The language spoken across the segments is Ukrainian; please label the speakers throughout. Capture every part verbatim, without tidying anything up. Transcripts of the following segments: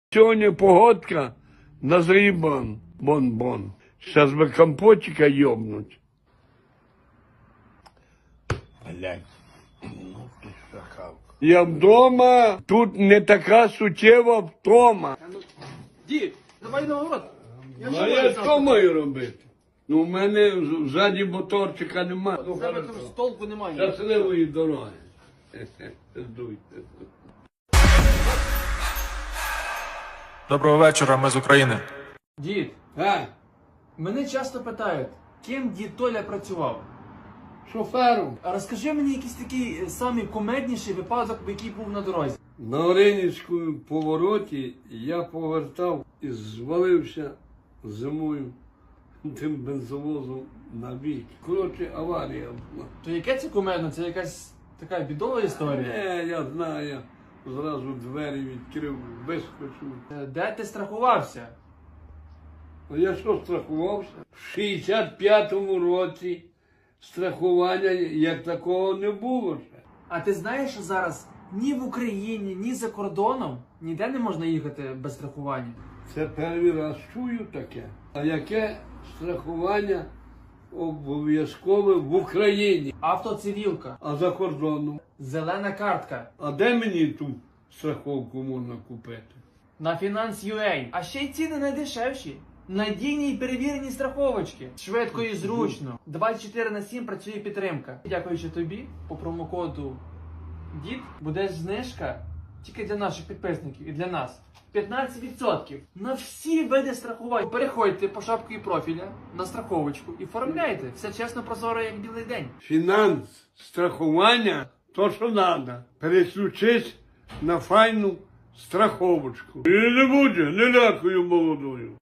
Speaker 1: Сьогодні погодка на зрібан, бон-бон. Зараз би компотика йобнуть. Блядь, ну ти шакал. Я вдома, тут не така суттєва втома.
Speaker 2: Дід, давай на город. Я
Speaker 1: А я що маю робити? Ну, в мене ззаді моторчика немає. Ну,
Speaker 2: тебе там толку немає.
Speaker 1: щасливої дороги. Здуйте.
Speaker 3: Доброго вечора, ми з України.
Speaker 2: Дід,
Speaker 1: А,
Speaker 2: мене часто питають, ким дід Толя працював.
Speaker 1: шофером.
Speaker 2: А розкажи мені якийсь такий е, самий кумедніший випадок, який був на дорозі.
Speaker 1: На Оринівському повороті я повертав і звалився зимою тим бензовозом на бік. Коротше, аварія була.
Speaker 2: То яке це кумедно? Це якась така бідова історія.
Speaker 1: Не, я знаю, я зразу двері відкрив, вискочив.
Speaker 2: Е, Де ти страхувався?
Speaker 1: А я що страхувався? В шістдесят п'ятому році страхування як такого не було ще.
Speaker 2: А ти знаєш, що зараз ні в Україні, ні за кордоном ніде не можна їхати без страхування?
Speaker 1: Це перший раз чую таке. А яке страхування обов'язкове в Україні?
Speaker 2: Автоцивілка,
Speaker 1: А за кордоном?
Speaker 2: зелена картка,
Speaker 1: А де мені ту страховку можна купити?
Speaker 2: на Finance.ua. А ще й ціни найдешевші. Надійні і перевірені страховочки. Швидко і зручно. двадцять чотири на сім працює підтримка. Дякуючи тобі, по промокоду ДІД буде знижка тільки для наших підписників і для нас. п'ятнадцять відсотків на всі види страхувань. Переходьте по шапці профіля на страховочку і оформляйте. Все чесно, прозоро, як білий день.
Speaker 1: Фінанс, страхування, то що треба. Переключись на файну страховочку. І не буде, не лякую молодою.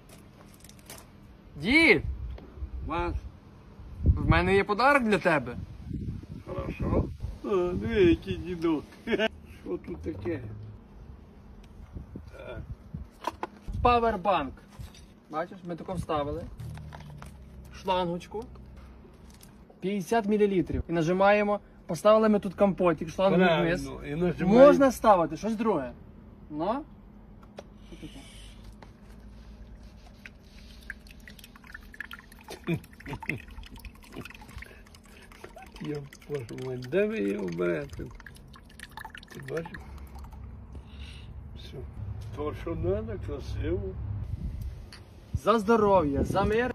Speaker 2: Дід,
Speaker 1: Вас?
Speaker 2: в мене є подарок для тебе.
Speaker 1: Хорошо. А, диви, який дідок. Що тут таке? Так.
Speaker 2: Павербанк. Бачиш, ми тако вставили. Шлангочку. п'ятдесят мілілітрів. І нажимаємо. Поставили ми тут компотик, шлангу вниз.
Speaker 1: Правильно. І нажимаємо.
Speaker 2: Можна ставити щось друге. Ну? Що таке?
Speaker 1: Я боже мой, де ви його берете? Ти бачиш? Все. То, що треба, красиво.
Speaker 2: За здоров'я, за мир.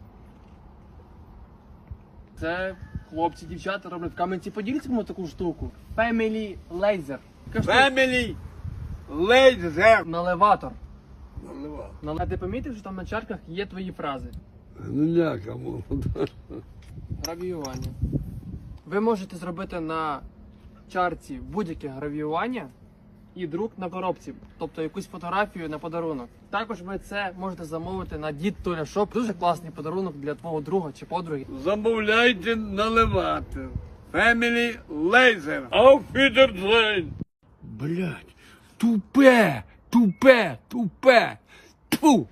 Speaker 2: Це хлопці, дівчата роблять в Кам'янці-Подільському таку штуку. Family Laser. Така штука.
Speaker 1: Family Laser.
Speaker 2: Наливатор.
Speaker 1: Наливав.
Speaker 2: Нале- А ти помітив, що там на чарках є твої фрази?
Speaker 1: Ну ляка молода.
Speaker 2: Гравіювання. Ви можете зробити на чарці будь-яке гравіювання і друк на коробці, тобто якусь фотографію на подарунок. Також ви це можете замовити на Дід Толя Шоп. Дуже класний подарунок для твого друга чи подруги.
Speaker 1: Замовляйте наливати. Family Laser. Auf Wiedersehen. Блять, тупе, тупе, тупе. Тьфу.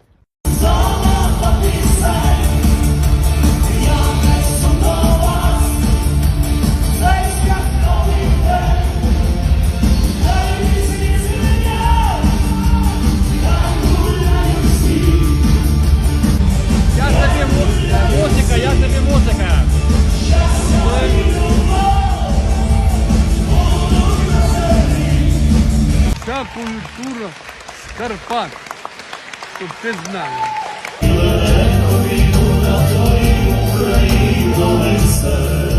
Speaker 2: Я тобі музика, я тобі музика.
Speaker 1: Ця культура з Карпат. Щоб ти знав.
Speaker 4: Україно, весель.